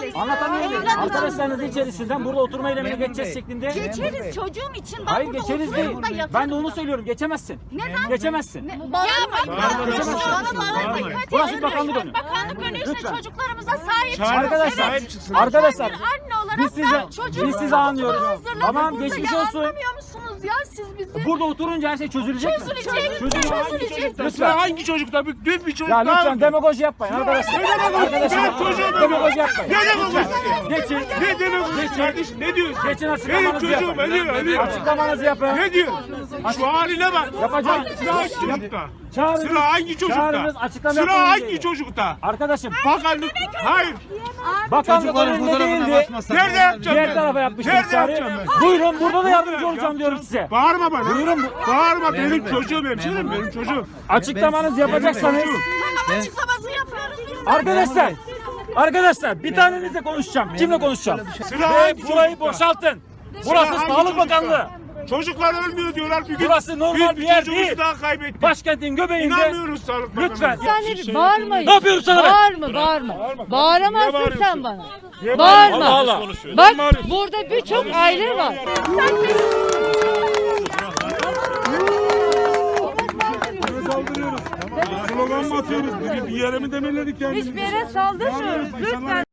Anlatamıyorum. Arkadaşlarınızın içerisinden burada oturma eylemine geçeceğiz şeklinde. Geçeriz çocuğum için. Ben Hayır burada geçeriz değil. oturuyorum da yatarım. Ben de onu söylüyorum. Geçemezsin. Neden? Geçemezsin. Burası bakanlık önü. Bakanlık önüyse çocuklarımıza sahip çıkın. Arkadaşlar, Evet. arkadaşlar, Ben bir anne olarak biz sizi anlıyoruz. Tamam, burada geçmiş ya, olsun. Anlamıyor musunuz ya siz bizi? Burada oturunca her şey çözülecek mi? Çözülecek. Lütfen. Hangi çocukta? Dün bir çocuk Ya daha lütsen öldü. demagoji yapmayın arkadaşlar. Arkadaşlar demagoji yapmayın. Ne demek? Geçin. Ne demek kardeşim? Ne diyorsun? Geçin Benim açıklamanızı çocuğum yapın. ölüyor. Açıklamanızı yapın. Ne diyor? Şu haline bak. Yapacağım. Sıra hangi çocukta? Çağırınız. Sıra hangi çocukta? Çağırınız, açıklama Sıra yapın hangi diye. çocukta? Arkadaşım Bakanlık. Hayır. bakanlık önünde değildi. Nerede yapacağım Diğer ben? tarafa yapmıştım Nerede çağrı. yapacağım ben? Buyurun burada da yardımcı olacağım diyorum size. Bağırma bana. Buyurun. Bağırma benim çocuğum hemşerim benim çocuğum. Açıklamanızı yapacaksanız. Tamam açıklamasını yapıyoruz biz. Arkadaşlar bir tanenizle konuşacağım. Kimle konuşacağım? Sıra Ve hangi burayı çocukta? boşaltın. Burası hangi Sağlık çocukta? Bakanlığı. Çocuklar ölmüyor diyorlar bir gün. Burası normal bir yer çocuğumuzu değil. daha kaybettik. Başkentin göbeğinde. İnanmıyoruz Sağlık Bakanı'na. Lütfen. Bağırmayın. Ne yapıyorum sana ben? Bağırma. Bağıramazsın bağırıyorsun? sen bana. Niye Bağırma. Allah Allah. Bak burada birçok aile var. Saldırıyoruz. Slogan mı atıyoruz? Bir yere mi demeledik kendimizi? Hiçbir yere saldırmıyoruz. Lütfen.